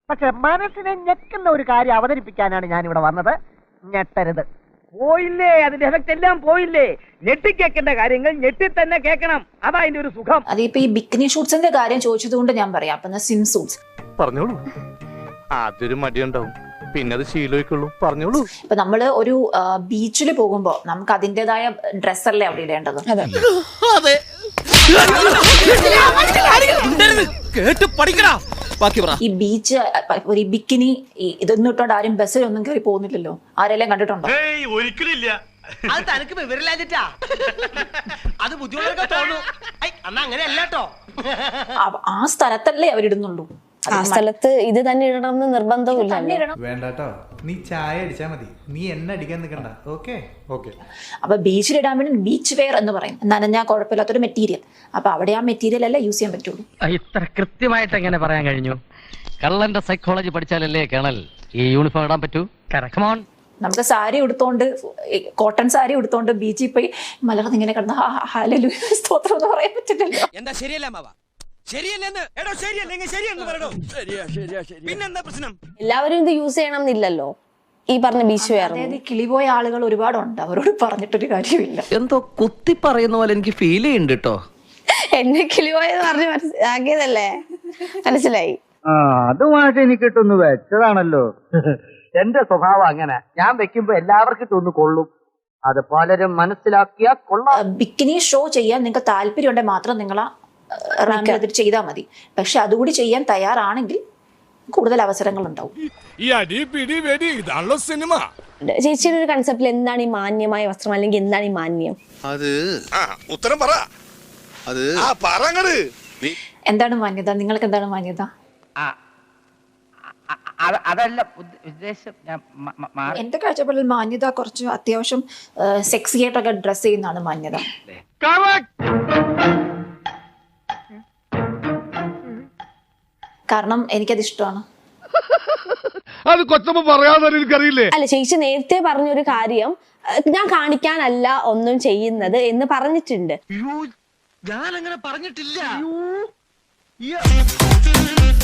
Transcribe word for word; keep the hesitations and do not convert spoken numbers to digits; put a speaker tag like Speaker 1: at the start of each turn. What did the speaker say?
Speaker 1: പക്ഷെ മനസ്സിനെ ഞെക്കുന്ന ഒരു കാര്യം അവതരിപ്പിക്കാനാണ് ഞാൻ ഇവിടെ വന്നത്. ഞെട്ടരുത്.
Speaker 2: പോയില്ലേ, അതിന്റെ എഫക്ട് എല്ലാം പോയില്ലേ. ഞെട്ടി കേൾക്കേണ്ട കാര്യങ്ങൾ ഞെട്ടി തന്നെ കേൾക്കണം. അതാ അതിന്റെ ഒരു സുഖം.
Speaker 3: അതിപ്പോ ഈ ബിക്കിനി ഷൂട്ട്സിന്റെ കാര്യം ചോദിച്ചത് കൊണ്ട് ഞാൻ പറയാം. അപ്പൊ സ്വിം സൂട്ട്സ്
Speaker 4: പറഞ്ഞോളൂ. അതൊരു മടിയുണ്ടാവും, പിന്നെ അത് ശീലമായിക്കുള്ളൂ. പറഞ്ഞോളൂ.
Speaker 3: ഇപ്പൊ നമ്മള് ഒരു ബീച്ചിൽ പോകുമ്പോ നമുക്ക് അതിന്റേതായ ഡ്രസ്സല്ലേ അവിടെ ഇടേണ്ടത്. ഈ ബീച്ച് ഒരു ബിക്കിനി ഇതൊന്നും ഇട്ടോണ്ട് ആരും ബസ്സിലൊന്നും കയറി പോകുന്നില്ലല്ലോ. ആരെല്ലാം കണ്ടിട്ടുണ്ടോ?
Speaker 5: ഒരിക്കലില്ല. അത് തനിക്ക് വിവരമില്ലാഞ്ഞിട്ടാ. അത് ബുദ്ധിമുട്ടൊക്കെ തോന്നും. അങ്ങനെയല്ലോ.
Speaker 3: ആ സ്ഥലത്തല്ലേ അവരിടുന്നുള്ളൂ.
Speaker 6: ആ സ്ഥലത്ത് ഇത് തന്നെ ഇടണമെന്ന് നിർബന്ധമില്ല.
Speaker 7: വേണ്ടട്ടോ, നീ ചായ അടിച്ചാ മതി, നീ എന്നെ അടിക്കാൻ നിൽക്കണ്ട. Okay okay.
Speaker 3: അപ്പൊ ബീച്ചിലിടാൻ വേണ്ടി ബീച്ച് വെയർ എന്ന് പറയും. നനഞ്ഞാൽ കുഴപ്പമില്ലാത്തൊരു മെറ്റീരിയൽ. അപ്പൊ അവിടെ ആ മെറ്റീരിയൽ അല്ല യൂസ് ചെയ്യാൻ പറ്റുള്ളൂ.
Speaker 8: ഇത്ര കൃത്യമായിട്ട് എങ്ങനെ പറയാൻ കഴിഞ്ഞു? കള്ളന്റെ സൈക്കോളജി പഠിച്ചാലല്ലേ കേണൽ ഈ യൂണിഫോം ഇടാൻ പറ്റൂ. കമോൺ.
Speaker 3: നമുക്ക് സാരി ഉടുത്തോണ്ട്, കോട്ടൺ സാരി ഉടുത്തോണ്ട് ബീച്ചിൽ പോയി മലർന്ന് ഇങ്ങനെ കിടന്ന ഹല്ലേലൂയ സ്തോത്രം എന്ന് പറയാൻ പറ്റില്ലല്ലോ.
Speaker 5: എന്താ ശരിയല്ല മാവ? ശരിയല്ലെന്ന് എടോ, ശരിയല്ലെങ്കിൽ ശരിയെന്ന് പറയണോ? ശരിയാ ശരിയാ ശരി. പിന്നെന്താ പ്രശ്നം?
Speaker 6: എല്ലാവരും ഇത് യൂസ് ചെയ്യണം എന്നില്ലല്ലോ. ഈ പറഞ്ഞ ബീച്ച് വെയർ
Speaker 3: അതായത് കിളിപോയ ആളുകൾ ഒരുപാടുണ്ട്. അവരോട് പറഞ്ഞിട്ടൊരു കാര്യമില്ല.
Speaker 9: എന്തോ കുത്തി പറയുന്ന പോലെ എനിക്ക് ഫീൽ ചെയ്യുന്നുണ്ട് കേട്ടോ.
Speaker 6: എന്നെ കിളിപോയെന്ന് പറഞ്ഞ് മനസ്സിലാക്കിയതല്ലേ, മനസ്സിലായി.
Speaker 1: ആ അതുമായിട്ട് എനിക്ക് ഇട്ടൊന്ന് വെച്ചതാണല്ലോ. എന്റെ സ്വഭാവം അങ്ങനെ. ഞാൻ വെക്കുമ്പോ എല്ലാവർക്കും ഇട്ടൊന്ന് കൊള്ളും. അത് പലരും മനസ്സിലാക്കിയാ കൊള്ളാം.
Speaker 3: ബിക്കിനി ഷോ ചെയ്യാൻ നിങ്ങൾക്ക് താല്പര്യം ഉണ്ടെങ്കിൽ മാത്രം നിങ്ങൾ റാമിൽ ചെയ്താൽ മതി. പക്ഷെ അതുകൂടി ചെയ്യാൻ തയ്യാറാണെങ്കിൽ കൂടുതൽ അവസരങ്ങൾ ഉണ്ടാവും.
Speaker 6: ചേച്ചിയുടെ ഒരു കൺസെപ്റ്റിൽ എന്താണ് ഈ മാന്യമായ വസ്ത്രം, അല്ലെങ്കിൽ എന്താണ് ഈ മാന്യം?
Speaker 10: അത് ഉത്തരം പറ. അത്
Speaker 3: എന്താണ് മാന്യത? നിങ്ങൾക്ക് എന്താണ് മാന്യത?
Speaker 2: അതല്ല ഉദ്ദേശം.
Speaker 3: എന്റെ കാഴ്ചപ്പാടിൽ മാന്യത കുറച്ച് അത്യാവശ്യം സെക്സി ആയിട്ടൊക്കെ ഡ്രസ് ചെയ്യുന്നതാണ് മാന്യത. കാരണം എനിക്കത് ഇഷ്ടമാണ്.
Speaker 4: അത് കൊച്ചമ്മ പറയാതെ എനിക്കറിയില്ലേ.
Speaker 6: അല്ല, ചേച്ചി നേരത്തെ പറഞ്ഞൊരു കാര്യം, ഞാൻ കാണിക്കാനല്ല ഒന്നും ചെയ്യുന്നത് എന്ന് പറഞ്ഞിട്ടുണ്ട്.
Speaker 5: ഞാൻ അങ്ങനെ പറഞ്ഞിട്ടില്ല.